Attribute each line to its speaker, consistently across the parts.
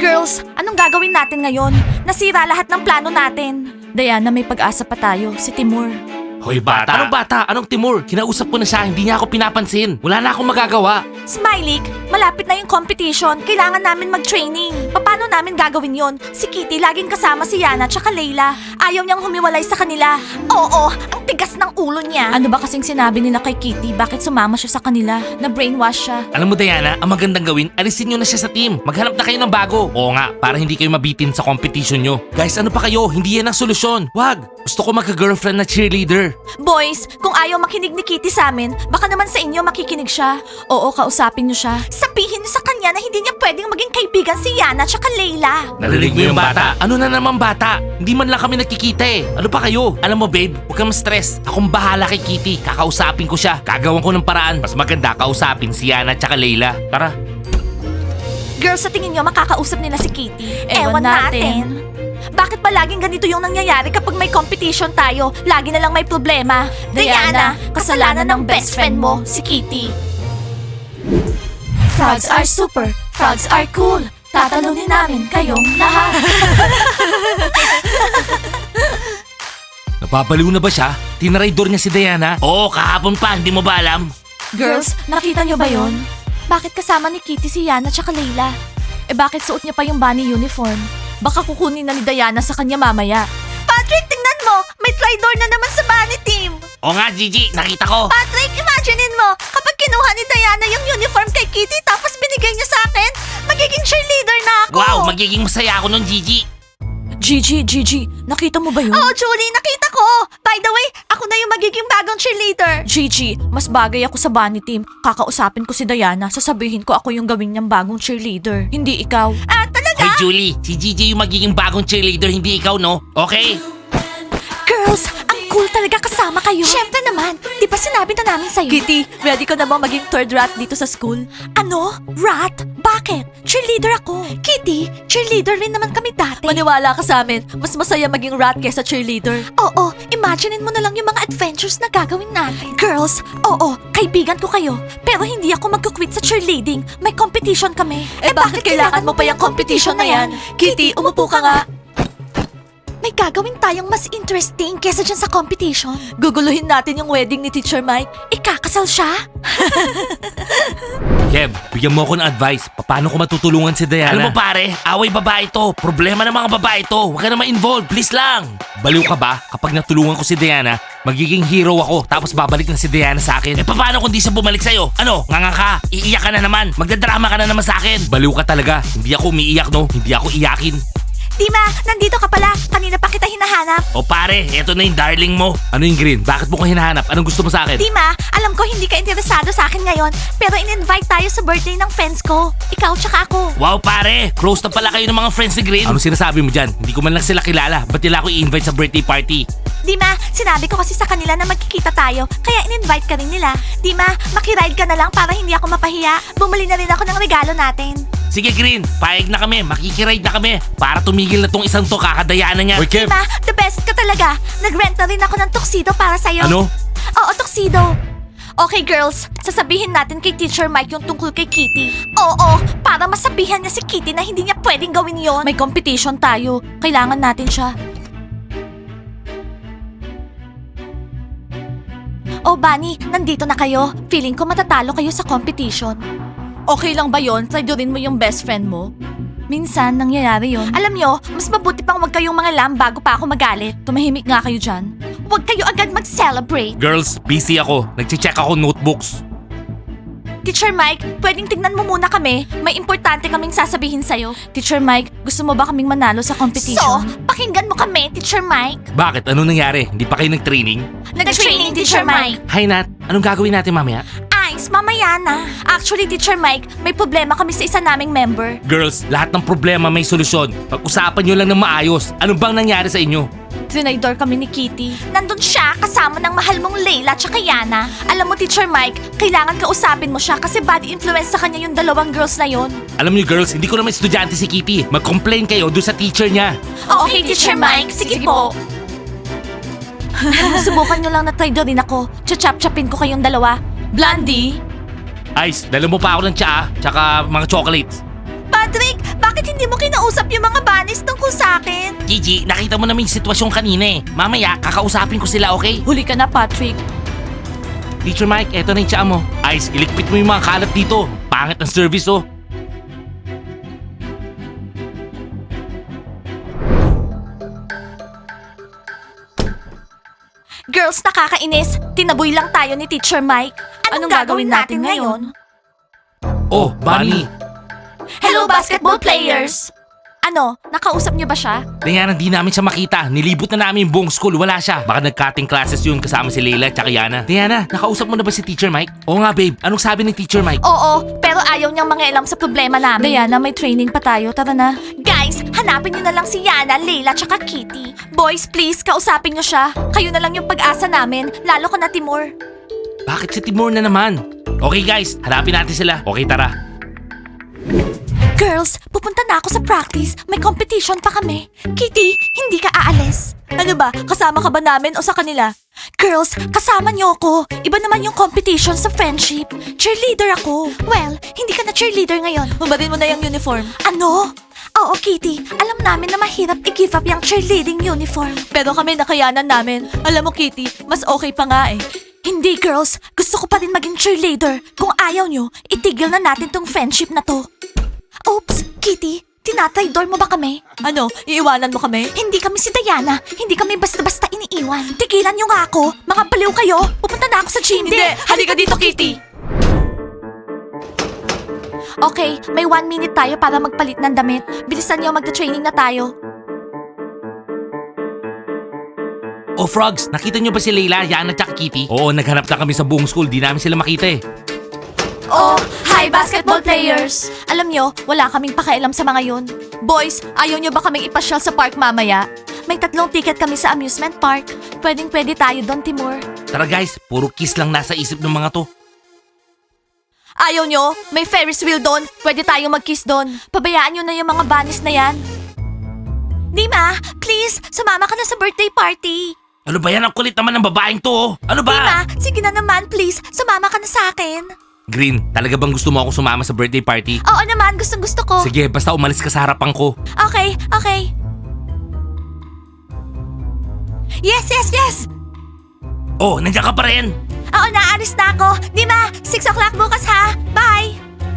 Speaker 1: Girls, anong gagawin natin ngayon? Nasira lahat ng plano natin. Diana, may pag-asa pa tayo. Si Timur.
Speaker 2: Hoy bata! Anong bata? Anong Timur? Kinausap ko na siya, hindi niya ako pinapansin. Wala na akong magagawa.
Speaker 1: Smiley, malapit na yung competition. Kailangan namin mag-training. Paano namin gagawin yon? Si Kitty laging kasama si Yana tsaka Layla. Ayaw niyang humiwalay sa kanila. Oo, ang tigas ng ulo niya. Ano ba kasing sinabi nila kay Kitty? Bakit sumama siya sa kanila? Na-brainwash siya.
Speaker 2: Alam mo Diana, ang magandang gawin, alisin nyo na siya sa team. Maghanap na kayo ng bago. Oo nga, para hindi kayo mabitin sa competition nyo. Guys, ano pa kayo? Hindi yan ang solusyon. Wag! Gusto ko magka-girlfriend na cheerleader.
Speaker 1: Boys, kung ayaw makinig ni Kitty sa amin, baka naman sa inyo makikinig siya. Oo, kausapin niyo siya. Sabihin niyo sa kanya na hindi niya pwedeng maging kaibigan si Yana tsaka Layla.
Speaker 2: Narinig mo yung bata? Ano na naman bata? Hindi man lang kami nagkikita eh. Ano pa kayo? Alam mo babe, huwag kang stress. Akong bahala kay Kitty. Kakausapin ko siya. Gagawan ko ng paraan. Mas maganda kausapin si Yana tsaka Layla. Tara.
Speaker 1: Girls, sa tingin niyo makakausap nila si Kitty? Ewan natin. Bakit ba laging ganito yung nangyayari kapag may competition tayo? Lagi na lang may problema. Diana, kasalanan ng best friend mo, si Kitty. Frogs are super, frogs are cool. Tatalunin namin kayong lahat.
Speaker 2: Napapaliw na ba siya? Tinaraydor niya si Diana? Oo, kahapon pa. Hindi mo ba alam?
Speaker 1: Girls, nakita niyo ba yon? Bakit kasama ni Kitty si Yana tsaka Layla? Eh bakit suot niya pa yung bunny uniform? Baka kukunin na ni Diana sa kanya mamaya. Patrick, tingnan mo! May traitor na naman sa bunny team!
Speaker 2: Oo nga, Gigi. Nakita ko.
Speaker 1: Patrick, imaginein mo, kapag kinuha ni Diana yung uniform kay Kitty tapos binigay niya sa akin, magiging cheerleader na ako!
Speaker 2: Wow, magiging masaya ako nun, Gigi.
Speaker 1: Gigi, nakita mo ba yun? Oh, Julie, nakita ko! By the way, ako na yung magiging bagong cheerleader. Gigi, mas bagay ako sa bunny team. Kakausapin ko si Diana, sasabihin ko ako yung gawin niyang bagong cheerleader. Hindi ikaw. Ah, talaga?
Speaker 2: Hoy, Julie. Si Gigi yung magiging bagong cheerleader, hindi ikaw, no? Okay?
Speaker 1: Girls, ang cool talaga kasama kayo. Siyempre naman, di ba sinabi na namin sa'yo? Kitty, ready ko na bang maging third rat dito sa school? Ano? Rat? Bakit? Cheerleader ako. Kitty, cheerleader rin naman kami dati. Maniwala ka sa amin, mas masaya maging rat kesa cheerleader. Oo, imaginein mo na lang yung mga adventures na gagawin natin. Girls, oo, kaibigan ko kayo. Pero hindi ako magkukwit sa cheerleading. May competition kami. Eh bakit kailangan mo pa yung competition na yan? Kitty, umupo ka nga. May gagawin tayong mas interesting kesa dyan sa competition. Guguluhin natin yung wedding ni Teacher Mike. Ikakasal siya?
Speaker 2: Kev, bigyan mo ako ng advice. Paano ko matutulungan si Diana? Alam mo pare, away babae to. Problema ng mga babae to. Huwag ka na ma-involve, please lang. Baliw ka ba? Kapag natulungan ko si Diana, magiging hero ako tapos babalik na si Diana sa akin. Eh paano kung di siya bumalik sa'yo? Ano? Nganga ka? Iiyak ka na naman? Magdadrama ka na naman sa akin? Baliw ka talaga. Hindi ako umiiyak no? Hindi ako iyakin.
Speaker 1: Dima, nandito ka pala. Kanina pa kita hinahanap.
Speaker 2: O pare, eto na yung darling mo. Ano yung green? Bakit mo ko hinahanap? Anong gusto mo sa akin?
Speaker 1: Dima, alam ko hindi ka interesado sa akin ngayon. Pero in-invite tayo sa birthday ng friends ko. Ikaw tsaka ako.
Speaker 2: Wow pare, close na pala kayo ng mga friends ni Green. Ano sinasabi mo dyan? Hindi ko man lang sila kilala. Ba't nila ako i-invite sa birthday party?
Speaker 1: Dima, sinabi ko kasi sa kanila na magkikita tayo, kaya in-invite ka rin nila. Dima, makiride ka na lang para hindi ako mapahiya. Bumili na rin ako ng regalo natin.
Speaker 2: Sige Green, payag na kami, makikiride na kami. Para tumigil na tong isang to, kakadayaan na niya.
Speaker 3: Kev!
Speaker 1: Dima, the best ka talaga. Nag-rent na rin ako ng tuxedo para sa'yo.
Speaker 2: Ano?
Speaker 1: Oo, tuxedo. Okay girls, sasabihin natin kay Teacher Mike yung tungkol kay Kitty. Oo, para masabihan niya si Kitty na hindi niya pwedeng gawin yon. May competition tayo. Kailangan natin siya. Oh, Bunny, nandito na kayo. Feeling ko matatalo kayo sa competition. Okay lang ba yon? Traidorin mo yung best friend mo? Minsan, nangyayari yon. Alam nyo, mas mabuti pang wag kayong mga lam bago pa ako magalit. Tumahimik nga kayo dyan. Huwag kayo agad mag-celebrate.
Speaker 2: Girls, busy ako. Nagche-check ako notebooks.
Speaker 1: Teacher Mike, pwedeng tignan mo muna kami. May importante kaming sasabihin sa'yo. Teacher Mike, gusto mo ba kaming manalo sa competition? So, pakinggan mo kami, Teacher Mike.
Speaker 2: Bakit? Ano nangyari? Hindi pa kayo nag-training?
Speaker 1: Nag-training, Teacher Mike.
Speaker 2: Hi Nat, anong gagawin natin mamaya?
Speaker 1: Ice, mamaya na. Actually, Teacher Mike, may problema kami sa isa naming member.
Speaker 2: Girls, lahat ng problema may solusyon. Pag-usapan nyo lang ng maayos. Ano bang nangyari sa inyo?
Speaker 1: Trinaydor kami ni Kitty. Nandun siya kasama ng mahal mong Layla at Yana. Alam mo, Teacher Mike, kailangan kausapin mo siya kasi bad influence sa kanya yung dalawang girls na yon.
Speaker 2: Alam niyo girls, hindi ko naman estudyante si Kitty. Mag-complain kayo doon sa teacher niya.
Speaker 1: Okay, Teacher Mike. Sige po. Subukan nyo lang na traidorin ako. Chachap-chapin ko kayong dalawa. Blondie?
Speaker 2: Ice, dala mo pa ako ng tsaa, tsaka mga chocolates.
Speaker 1: Patrick, bakit Bakit hindi mo kinausap yung mga bunnies tungkol sa akin?
Speaker 2: Gigi, nakita mo namin yung sitwasyon kanina eh. Mamaya, kakausapin ko sila, okay?
Speaker 1: Huli ka na, Patrick.
Speaker 2: Teacher Mike, eto na yung tsaa mo. Ice, ilikpit mo yung mga kalat dito. Pangit ng service, oh.
Speaker 1: Girls, nakakainis. Tinaboy lang tayo ni Teacher Mike. Anong gagawin natin ngayon?
Speaker 2: Oh, Bunny.
Speaker 1: Hello, basketball players! Ano, nakausap niyo ba siya?
Speaker 2: Diana, di namin siya makita. Nilibot na namin yung buong school. Wala siya. Baka nag-cutting classes yun kasama si Leila at Yana. Diana, nakausap mo na ba si Teacher Mike? Oo nga, babe. Anong sabi ni Teacher Mike?
Speaker 1: Oo, pero ayaw niyang mangialam sa problema namin. Diana, may training pa tayo. Tara na. Guys, hanapin niyo na lang si Yana, Leila, tsaka Kitty. Boys, please, kausapin niyo siya. Kayo na lang yung pag-asa namin, lalo ka na, Timur.
Speaker 2: Bakit si Timur na naman? Okay guys, hanapin natin sila. Okay, tara.
Speaker 1: Girls, pupunta na ako sa practice. May competition pa kami. Kitty, hindi ka aalis. Ano ba? Kasama ka ba namin o sa kanila? Girls, kasama niyo ako. Iba naman yung competition sa friendship. Cheerleader ako. Well, hindi ka na cheerleader ngayon. Mabarin mo na yung uniform. Ano? Oo, Kitty. Alam namin na mahirap i-give up yung cheerleading uniform. Pero kami nakayanan namin. Alam mo, Kitty, mas okay pa nga eh. Hindi, girls. Gusto ko pa rin maging cheerleader. Kung ayaw nyo, itigil na natin tong friendship na to. Oops, Kitty. Tinatraidor mo ba kami? Ano? Iiwanan mo kami? Hindi kami si Diana. Hindi kami basta-basta iniiwan. Tigilan nyo nga ako. Mga baliw kayo. Pupunta na ako sa gym. Hindi. Halika dito, Kitty. Okay, may 1 minute tayo para magpalit ng damit. Bilisan nyo, magta-training na tayo.
Speaker 2: Oh, Frogs, nakita niyo ba si Leila, Yana at Kitty? Oo, naghanap na kami sa buong school. Di namin sila makita eh.
Speaker 1: Oh, hi basketball players! Alam nyo, wala kaming pakialam sa mga yun. Boys, ayaw nyo ba kaming ipasyal sa park mamaya? May 3 ticket kami sa amusement park. Pwedeng-pwede tayo doon, Timur.
Speaker 2: Tara guys, puro kiss lang nasa isip ng mga to.
Speaker 1: Ayaw nyo? May Ferris wheel doon. Pwede tayong mag-kiss doon. Pabayaan nyo na yung mga bunnies na yan. Dima, please, sumama ka na sa birthday party.
Speaker 2: Ano ba yan? Ang kulit naman ng babaeng to, oh. Ano ba?
Speaker 1: Dima, sige na naman, please. Sumama ka na sa akin.
Speaker 2: Green, talaga bang gusto mo ako sumama sa birthday party?
Speaker 1: Oo naman, gustong-gusto ko.
Speaker 2: Sige, basta umalis ka sa harapan ko.
Speaker 1: Okay, okay. Yes, yes, yes!
Speaker 2: Oh, nandiyan ka pa rin.
Speaker 1: Oo, naalis na ako. Dima, 6 o'clock bukas ha. Bye!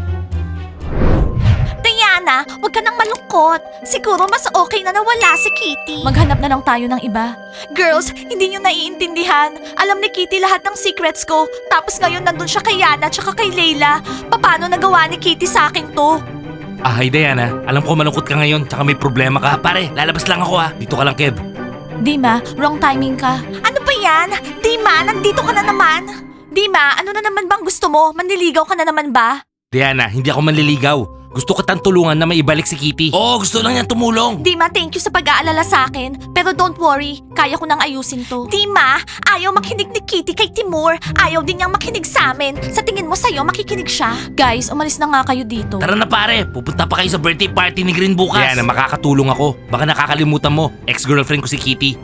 Speaker 1: Diana, huwag ka nang malungkot. Siguro mas okay na nawala si Kitty. Maghanap na lang tayo ng iba. Girls, hindi nyo naiintindihan. Alam ni Kitty lahat ng secrets ko. Tapos ngayon nandun siya kay Yana tsaka kay Leila. Paano nagawa ni Kitty sa akin to?
Speaker 2: Ah, hi Diana. Alam ko malungkot ka ngayon, tsaka may problema ka. Pare, lalabas lang ako ah. Dito ka lang, Kev.
Speaker 1: Dima, wrong timing ka. Ano ba yan? Dima, nandito ka na naman. Dima, ano na naman bang gusto mo? Manliligaw ka na naman ba?
Speaker 2: Diana, hindi ako manliligaw. Gusto ko tang tulungan na maibalik si Kitty. Oo, gusto lang niyan tumulong.
Speaker 1: Dima, thank you sa pag-aalala sa akin. Pero don't worry, kaya ko nang ayusin to. Dima, ayaw makinig ni Kitty kay Timur. Ayaw din niyang makinig sa amin. Sa tingin mo sa'yo, makikinig siya. Guys, umalis na nga kayo dito.
Speaker 2: Tara na pare, pupunta pa kayo sa birthday party ni Green bukas. Diana, makakatulong ako. Baka nakakalimutan mo, ex-girlfriend ko si Kitty.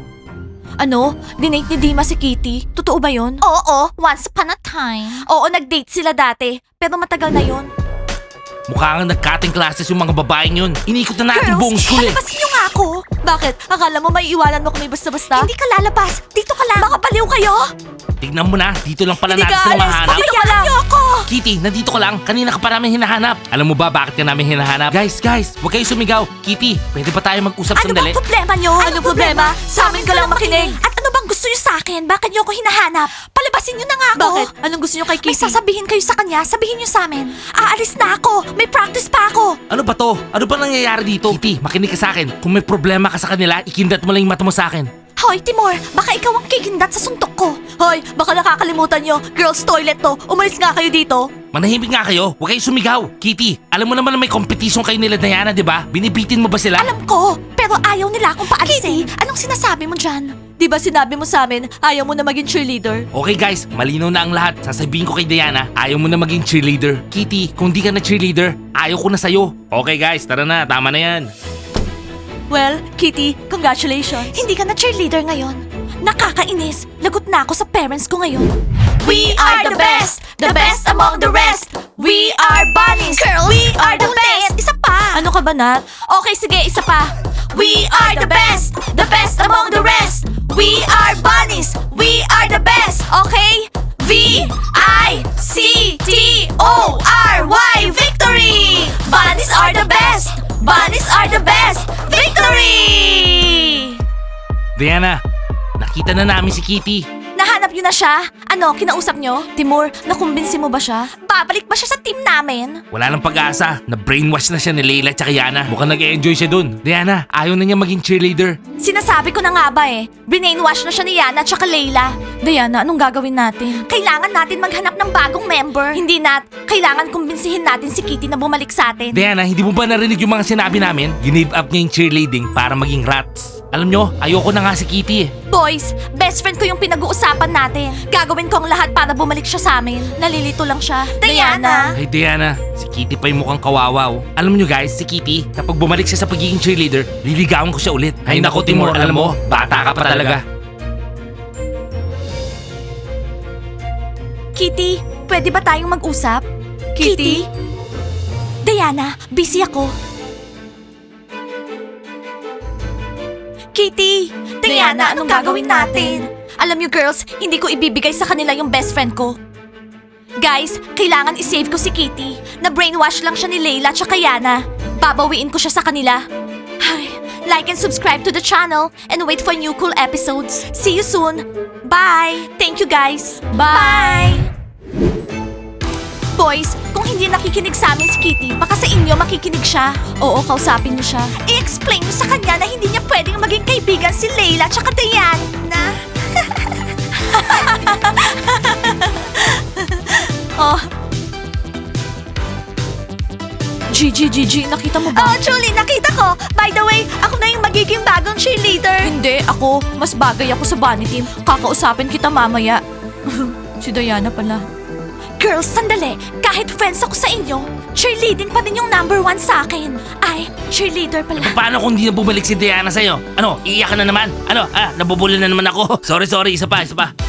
Speaker 1: Ano? Dinate ni Dima si Kitty? Totoo ba yun? Oo, once upon a time. Oo, nag-date sila dati. Pero matagal na yun.
Speaker 2: Mukha nga nag-cutting classes yung mga babaeng yun. Inikot na natin buong school eh.
Speaker 1: Palabasin niyo nga ako. Bakit? Akala mo may iwanan mo kami basta-basta? Hindi ka lalabas. Dito ka lang. Mga baliw kayo.
Speaker 2: Tignan mo na, dito lang pala
Speaker 1: Hindi
Speaker 2: natin
Speaker 1: ka
Speaker 2: sila
Speaker 1: alis.
Speaker 2: mahanap.
Speaker 1: Dito ka lang. Ako.
Speaker 2: Kitty, nandito ka lang. Kanina ka pa namin hinahanap. Alam mo ba bakit ka namin hinahanap? Guys, huwag kayo sumigaw. Kitty, pwede ba tayo mag-usap
Speaker 1: Ano
Speaker 2: sandali?
Speaker 1: bang problema nyo? Anong problema? Sa amin ka lang makinig. At ano bang gusto nyo sa akin? Bakit nyo ako hinahanap? Palabasin nyo na nga ako. Bakit? Anong gusto nyo kay Kitty? May sasabihin kayo sa kanya. Sabihin nyo sa amin. Aalis na ako. May practice pa ako.
Speaker 2: Ano ba to? Ano ba nangyayari dito? Kitty, makinig ka sa akin. Kung may problema ka sa kanila, ikindat mo lang yung mata mo sa akin.
Speaker 1: Hoy, Timur, baka ikaw ang kikindat sa suntok ko. Hoy, baka nakakalimutan nyo. Girls' toilet to. Umalis nga kayo dito.
Speaker 2: Manahimik nga kayo. Huwag kayo sumigaw. Kitty, alam mo naman na may competition kayo nila Diana, di ba? Binibitin mo ba sila?
Speaker 1: Alam ko, pero ayaw nila akong paalisin. Kitty, anong sinasabi mo dyan? Di ba sinabi mo sa amin, ayaw mo na maging cheerleader?
Speaker 2: Okay guys, malinaw na ang lahat. Sasabihin ko kay Diana, ayaw mo na maging cheerleader. Kitty, kung di ka na cheerleader, ayaw ko na sa'yo. Okay guys, tara na. Tama na yan.
Speaker 1: Well, Kitty, congratulations. Hindi ka na cheerleader ngayon. Nakakainis. Lagot na ako sa parents ko ngayon. We are the best among the rest. We are bunnies. Girls, we are the best. Isa pa. Ano ka ka ba, Nat? Okay, sige, isa pa. We are the best among the rest. We are bunnies, we are the best. Okay? V-I-C-T-O-R-Y, victory! Bunnies are the best! Bunnies are the best! Victory!
Speaker 2: Diana, nakita na namin si Kitty.
Speaker 1: Nahanap niyo na siya? Ano, kinausap niyo? Timur, nakumbinsi mo ba siya? Babalik ba siya sa team namin?
Speaker 2: Wala nang pag-asa. Na-brainwash na siya ni Layla at Yana. Mukhang nag-enjoy siya dun. Diana, ayaw na niya maging cheerleader.
Speaker 1: Sinasabi ko na nga ba eh. Brainwash na siya ni Yana at Layla. Diana, anong gagawin natin? Kailangan natin maghanap ng bagong member. Hindi, Nat. Kailangan kumbinsihin natin si Kitty na bumalik sa atin.
Speaker 2: Diana, hindi mo ba narinig yung mga sinabi namin? Give up niya yung cheerleading para maging rats. Alam nyo, ayoko na nga si Kitty eh.
Speaker 1: Boys, best friend ko yung pinag-uusapan natin. Gagawin ko ang lahat para bumalik siya sa amin. Nalilito lang siya. Diana!
Speaker 2: Hey Diana, si Kitty pa yung mukhang kawawa oh. Alam nyo guys, si Kitty, kapag bumalik siya sa pagiging cheerleader, liligawan ko siya ulit. Ay nako Timur, alam mo, bata ka pa talaga.
Speaker 1: Kitty, pwede ba tayong mag-usap? Kitty? Diana, busy ako. Kitty! Diana, anong gagawin natin? Alam niyo girls, hindi ko ibibigay sa kanila yung best friend ko. Guys, kailangan isave ko si Kitty. Na-brainwash lang siya ni Layla at Yana. Babawiin ko siya sa kanila. Ay, like and subscribe to the channel and wait for new cool episodes. See you soon. Bye! Thank you guys. Bye! Boys, kung hindi nakikinig sa amin si Kitty, baka sa inyo makikinig siya. Oo, kausapin niyo siya. I-explain niyo sa kanya na hindi niya pwedeng maging kaibigan si Layla at Diana. Oh. Gigi, nakita mo ba? Oh, Julie, nakita ko. By the way, ako na yung magiging bagong cheerleader. Hindi, ako. Mas bagay ako sa bunny team. Kakausapin kita mamaya. Si Diana pala. Girls, sandali. Kahit friends ako sa inyo, cheerleading pa din yung number 1 sa akin. Ay, cheerleader pala.
Speaker 2: Paano kung hindi na bumalik si Diana sa'yo? Ano, iiyak ka na naman? Ano, nabubuli na naman ako. Sorry, isa pa.